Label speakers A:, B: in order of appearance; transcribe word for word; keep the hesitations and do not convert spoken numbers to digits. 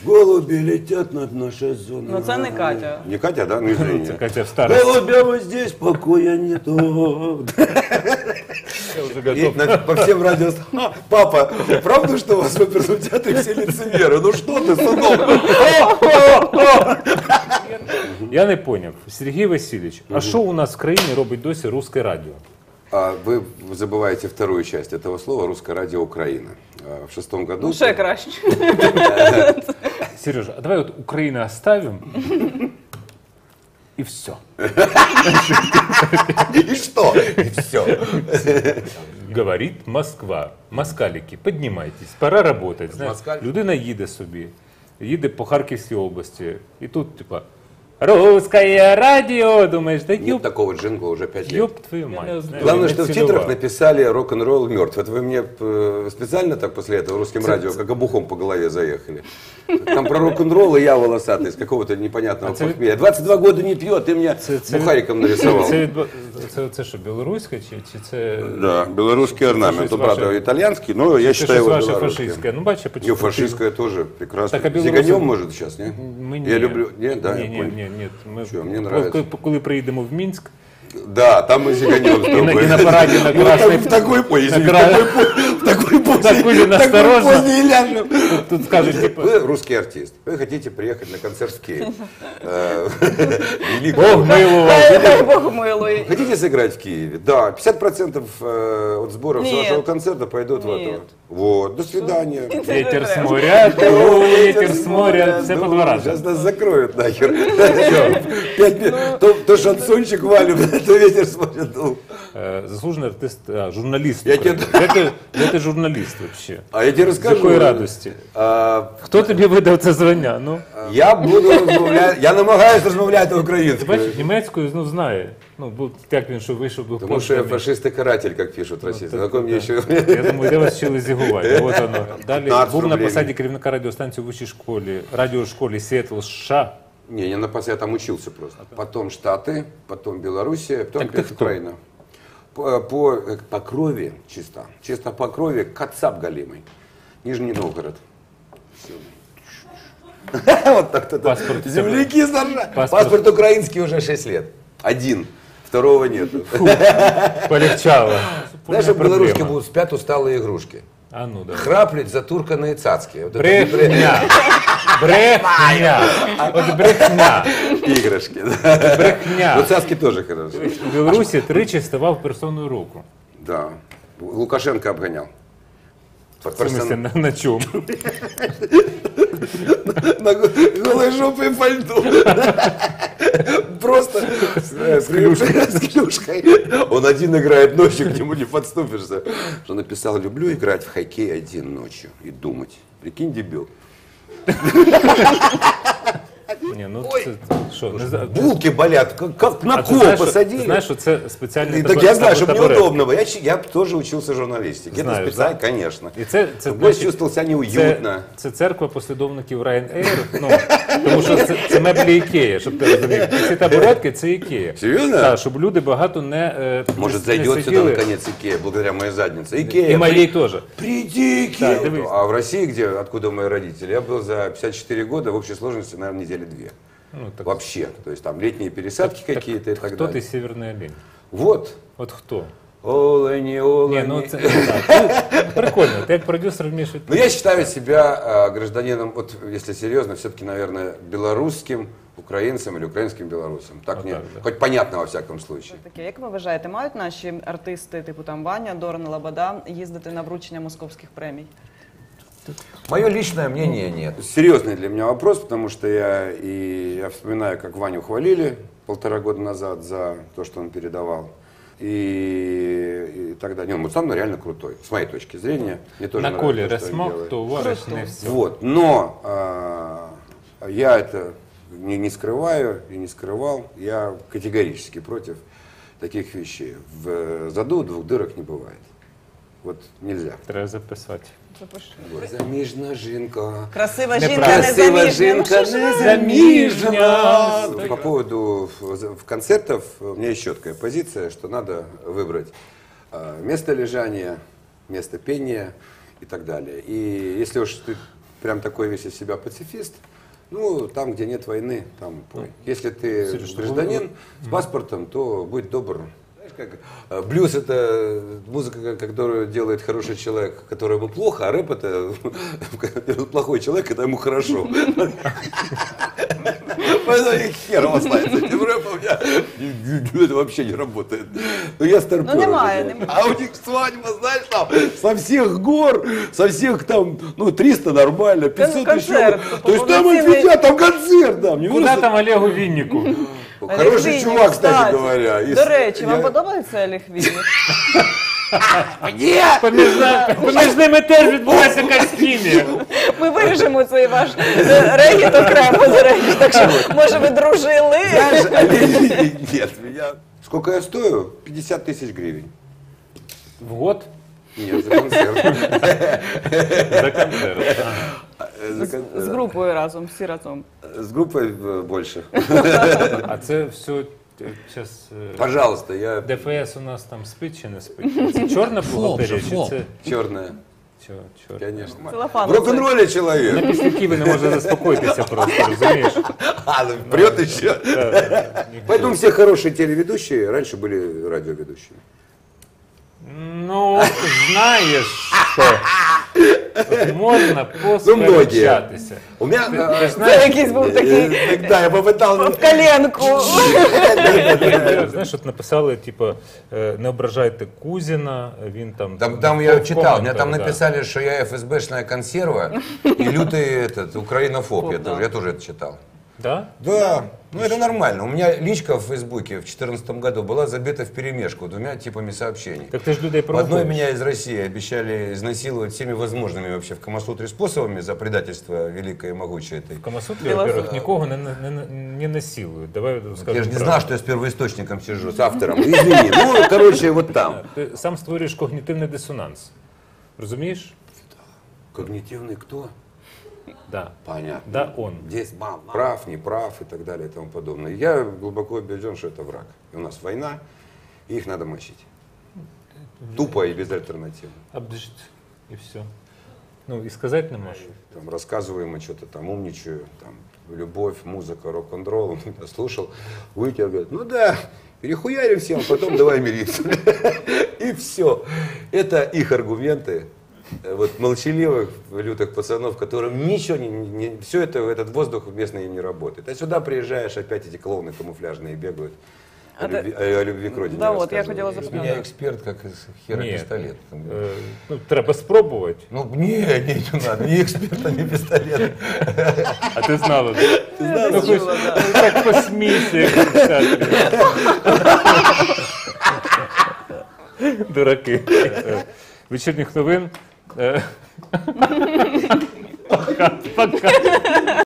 A: Голуби летят над нашей зоной.
B: Ну це не Катя.
A: Не Катя, да? Ну извини.
C: Це Катя в старості.
A: Голубям здесь покоя нету.
C: Я вже
A: И
C: готов.
A: на- по всем радио... «А, папа, правда, что у вас в оперном театре все лицемеры? Ну что ты, сынок?
C: Я не поняв. Сергій Васильович, а що у нас в країні робить досі русське радіо?
A: А вы забываете вторую часть этого слова «Русское радио Украина». А в шестом году...
B: Ну ще краще.
C: Сережа, а давай от Україну оставим і все.
A: И что? И все.
C: Говорить Москва. Москалики, піднімайтесь, пора работать. Знаєш,
A: Москаль?
C: людина їде собі, їде по Харківській області, і тут, типа, русское радио, думаєш, да
A: Нет
C: ёб,
A: такого джингла уже пять лет.
C: ёб твою мать. знаєш,
A: Главное,
C: не
A: что в
C: цінував.
A: титрах написали «Рок-н-ролл мертв». Это вы мне э, специально так после этого русским радио, как обухом по голове заехали? Там про рок-н-ролл и я волосатый из какого-то непонятного
C: А це-
A: похмелья. двадцать два года не пьет, ты мне
C: Це- це-
A: бухариком нарисовал.
C: Це, відбу- це, це що, білоруська чи, чи це...
A: Да, белорусский орнамент.
C: щось
A: Ну, правда,
C: ваше-
A: итальянский, но я
C: Це
A: считаю
C: щось
A: его
C: ваше
A: белорусским.
C: фашистське. Ну, бачиш,
A: Не,
C: почему
A: фашистское тоже прекрасно.
C: Так, а белорусы-
A: Зиганем, может, сейчас, не?
C: Ми
A: Я люблю... Нет, да,
C: ні,
A: я
C: ні,
A: понял.
C: ні, ні. Ми,
A: Що, мені
C: коли-
A: нравиться.
C: коли приїдемо в Мінськ,
A: Да, там мы зиганем с
C: і на,
A: тобой.
C: і на параді на
A: Ну,
C: Красной...
A: в такой, ой, извини, в
C: кра-
A: такой по- в такой позе,
C: Так будем
A: в такой
C: осторожно.
A: позе и ляжем.
C: Тут, тут скажуть, типу,
A: Вы русский артист, вы хотите приехать на концерт в Киев. Э, великого.
C: Бог милував.
B: Дай, дай Бог милує.
A: Хотите сыграть в Киеве? Да, пятьдесят процентов э, от сборов с
B: Нет.
A: вашего концерта пойдут в это.
B: Нет.
A: Вот. Вот, до свидания.
C: Ветер с моря, дуй, ветер с моря. Все по два раза.
A: Сейчас нас закроют нахер. Пять минут. То- То шансончик валим, то ветер смотрит. дул.
C: Е, Заслужений артист, а, журналіст.
A: Я
C: України. Де ти, де ти журналіст взагалі?
A: А я тебе
C: З
A: расскажу.
C: якої радості?
A: А,
C: Хто тобі видав це звання? Ну,
A: Я буду розмовляти, я намагаюся розмовляти
C: ти
A: українською.
C: бачиш, німецькою, ну, знає. Ну, бо як він, що вийшов до
A: Тому що я фашист і каратель, як пишуть російські. На ком я ще...
C: Я думаю, де вас вчили зігувати. От воно. Далі
A: п'ятнадцять
C: був на
A: рублей.
C: посаді керівника радіостанції в вищій школі, радіошколі Сіетл США.
A: Не, я на пас, я там учился просто. Потом Штаты, потом Белоруссия, потом
C: Так ты
A: опять
C: кто?
A: Украина. По, по, э, по крови чисто. Чисто по крови Кацап галимый. Нижний Новгород. Всё. Вот так-то.
C: Паспорт.
A: Земляки заржали.
C: Паспорт.
A: Паспорт украинский уже шесть лет. Один. Второго нету.
C: Полегчало.
A: Знаешь, что белорусские будут спят усталые игрушки.
C: А ну, да.
A: Храплять затурканные цацки. Вот это
C: Брехня. Брехня. От брехня.
A: игрушки. да. Ну,
C: Брехня.
A: цацки тоже хорошо.
C: В Білорусі тричі ставав персоною року.
A: Да. Лукашенко обгонял.
C: В смысле, на, на чому?
A: На голой жопе по льду. Просто с клюшкой. С клюшкой. Он один играет ночью, к нему не подступишься. Что написал: люблю играть в хоккей один ночью и думать. Прикинь, дебил.
C: Ні, ну це що, не знаю.
A: Булки болят, как, как на
C: А ти
A: кол
C: знаєш, що-
A: посадили.
C: ти знаєш, що це спеціальний
A: И так
C: табу-
A: я знаю, чтобы
C: табурет.
A: неудобного. Я, ч- я тоже учился журналистике. Это
C: Знаю,
A: специально,
C: да.
A: конечно.
C: І це, це,
A: Гость
C: значить,
A: чувствовал себя
C: це,
A: неуютно.
C: це церква послідовників Ryanair, ну, тому що це, це меблі Ікея, щоб ти розумів. Ці табуретки – це Ікея.
A: Серьезно?
C: Так, щоб люди багато не е,
A: Может,
C: не
A: зайдет сюда
C: сиділи.
A: наконец Икея, благодаря моей заднице. Икея.
C: І моєї теж.
A: Приди, Икея.
C: Да, дивись.
A: А в России, где, откуда мои родители, я был за пятьдесят четыре года в общей сложности, наверное, недели две.
C: Ну, так,
A: Вообще. То есть там летние пересадки какие-то и так
C: хто
A: далее.
C: ти северний олень?
A: Вот.
C: От хто?
A: Олени, олени.
C: Ні, ну це так. Ну, прикольно, ти як продюсер вмієш
A: Но
C: відповідати.
A: я считаю себя э, гражданином, вот если серьезно, все-таки, наверное, белорусским украинцем или украинским белорусом. Так
C: Вот
A: мне,
C: так, да.
A: хоть понятно во всяком случае.
B: Таке, як ви вважаєте, мають наші артисти, типу там Ваня, Дорн, Лобода, їздити на вручення московських премій?
D: Мое личное мнение нет.
A: Серьезный для меня вопрос, потому что я, и, я вспоминаю, как Ваню хвалили полтора года назад за то, что он передавал. И, и тогда, не, он сам реально крутой, с моей точки зрения. Мне тоже
C: На
A: нравится
C: колі
A: то, что он
C: Ресмок,
A: делает.
C: то вариш не все.
A: Вот, но а, я это не, не скрываю и не скрывал. Я категорически против таких вещей. В заду двух дырок не бывает. Вот нельзя.
C: Треба записати.
B: Запиши.
A: Заміжна жінка.
B: Красива
C: Не
B: жінка,
C: красива
B: незаміжня. Ну, що ж ви?
C: Заміжня.
A: По поводу в- в концертов у меня есть четкая позиция, что надо выбрать а, место лежания, место пения и так далее. И если уж ты прям такой весь из себя пацифист, ну, там, где нет войны, там пой. Если ты
C: Сереж,
A: гражданин с паспортом, то будь добр. Знаешь, как э, блюз — это музыка, которую делает хороший человек, которому плохо, а рэп — это плохой человек, когда ему хорошо. Поэтому их хер останется этим рэпом, я- это вообще не работает. Но я старпер.
B: Ну, немає,
A: уже.
B: немає.
A: А у них свадьба, знаешь, там со всех гор, со всех там, ну, триста нормально, пятьсот
B: концерт,
A: еще. То есть там
B: полноценный.
A: отведят, там концерт, там. Не
C: Куди
A: просто-
C: там Олегу Віннику?
A: Хороший
B: Олег
A: чувак,
B: Вінник,
A: кстати говоря. И
B: До
A: с-
B: речі, вам
A: я-
B: подобається Олег Вінник?
C: Поміж, на- поміж ними теж відбулася якась хімія.
B: Ми виріжемо цей ваш е, регіт окремо, до речі, так що, може, ви дружили?
A: Знаешь, Олег- Нет, меня... Сколько я стою? пятьдесят тысяч гривен.
C: В год
A: Нет, за концерт.
C: за концерт. Ага.
A: За
B: З
A: кон-
B: групою разом, всі разом.
A: С группой э, больше.
C: А це все зараз
A: Пожалуйста, я
C: ДФС у нас там спить чи не спить? Це чорна бухгалтерія чи
D: фоп.
C: це
A: черная.
C: чо, чорна?
A: Конечно. В
B: Целлофан.
A: рок-н-ролле человек.
C: На після ви не може заспокоїтися просто, розумієш?
A: А, ну, прет еще.
C: Так.
A: Поэтому все хорошие телеведущие раньше были радиоведущими.
C: Ну, знаєш що, можна
A: многие.
C: посперечатися.
A: У меня...
C: Ти
A: э,
C: ж знаєш,
B: Це якийсь був такий
A: э, Да, я попытался...
B: в коленку.
C: знаєш, от написали, типу, е, не ображайте Кузіна, він там...
D: Там, там я
C: в
D: читал, мне там
C: коментах, да.
D: написали, что я эф эс бэшная консерва и лютый этот, украинофоб. Я
B: Да.
D: тоже, я тоже это читал.
C: Да?
D: Да, ну это нормально. У меня личка в Фейсбуке в две тысячи четырнадцатом году была забита вперемешку двумя типами сообщений.
C: Так ти ж людей
D: В одной
C: провокуєш.
D: меня из России обещали изнасиловать всеми возможными вообще в Камасутре способами за предательство великое и могучее этой.
C: В Камасутрі,
B: Філософ.
C: во-первых, нікого не, не, не, не насилують. Давай скажемо
D: Я же не
C: правду.
D: знал, что я с первоисточником сижу.
A: С автором. Извини. Ну, короче, вот там.
C: Ти сам створюєш когнітивний дисонанс. Розумієш?
A: Когнитивный кто?
C: Да.
A: Понятно.
C: Да, он.
A: Здесь прав, не прав и так далее и тому подобное. Я глубоко убежден, что это враг. И у нас война, и их надо мочить. Тупо и безальтернативно.
C: Обдж... І все. Ну, і сказати не можу.
A: Там рассказываем, что-то там умничаю, там любовь, музыка, рок-н-ролл. Я слушал, вытер, говорит, ну да, перехуярим всем, потом давай мириться. И все. Это их аргументы. Вот молчаливых, лютых пацанов, которым ничего не, не все это, этот воздух местный им не работает. А сюда приезжаешь, опять эти клоуны камуфляжные бегают. О
B: А ты-
A: любви, о любви к родине
B: Да, вот, я
A: рассказывают.
B: хотела
D: У
B: запитати.
D: меня эксперт как из хера
C: Ні.
D: пистолет.
C: Е, ну, треба спробувати.
D: Ну, не, не, не надо, ни эксперта, ни пистолета.
C: А ти знала?
B: Я
C: Ну,
B: чула,
C: хоч-
B: да.
C: ну, так посмійся, як в театрі. Дураки. Е, Вечірніх новин. Е, Пока. Пока.